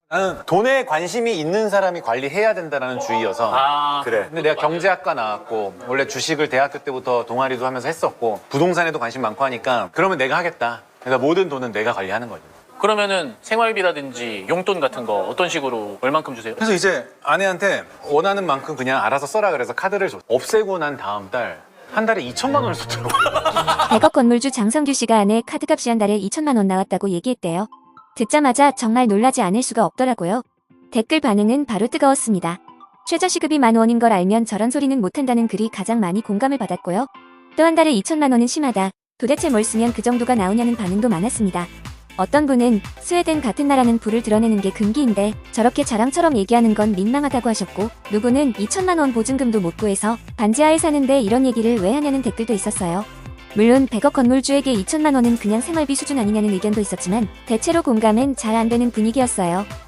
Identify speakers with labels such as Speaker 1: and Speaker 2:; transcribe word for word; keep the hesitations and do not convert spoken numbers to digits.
Speaker 1: 나는 돈에 관심이 있는 사람이 관리해야 된다는 주의여서.
Speaker 2: 아,
Speaker 3: 그래.
Speaker 1: 근데 내가 경제학과 나왔고 원래 주식을 대학교 때부터 동아리도 하면서 했었고 부동산에도 관심 많고 하니까 그러면 내가 하겠다. 그러니까 모든 돈은 내가 관리하는 거죠.
Speaker 2: 그러면은 생활비라든지 용돈 같은 거 어떤 식으로 얼만큼 주세요?
Speaker 1: 그래서 이제 아내한테 원하는 만큼 그냥 알아서 써라 그래서 카드를 줬어. 없애고 난 다음 달 한 달에 이천만 원을 썼더라고.
Speaker 4: 백억 건물주 장성규 씨가 아내 카드값이 한 달에 이천만 원 나왔다고 얘기했대요. 듣자마자 정말 놀라지 않을 수가 없더라고요. 댓글 반응은 바로 뜨거웠습니다. 최저시급이 만 원인 걸 알면 저런 소리는 못한다는 글이 가장 많이 공감을 받았고요. 또 한 달에 이천만 원은 심하다. 도대체 뭘 쓰면 그 정도가 나오냐는 반응도 많았습니다. 어떤 분은 스웨덴 같은 나라는 불을 드러내는 게 금기인데 저렇게 자랑처럼 얘기하는 건 민망하다고 하셨고, 누구는 이천만 원 보증금도 못 구해서 반지하에 사는데 이런 얘기를 왜 하냐는 댓글도 있었어요. 물론 백억 건물주에게 이천만 원은 그냥 생활비 수준 아니냐는 의견도 있었지만 대체로 공감은 잘 안 되는 분위기였어요.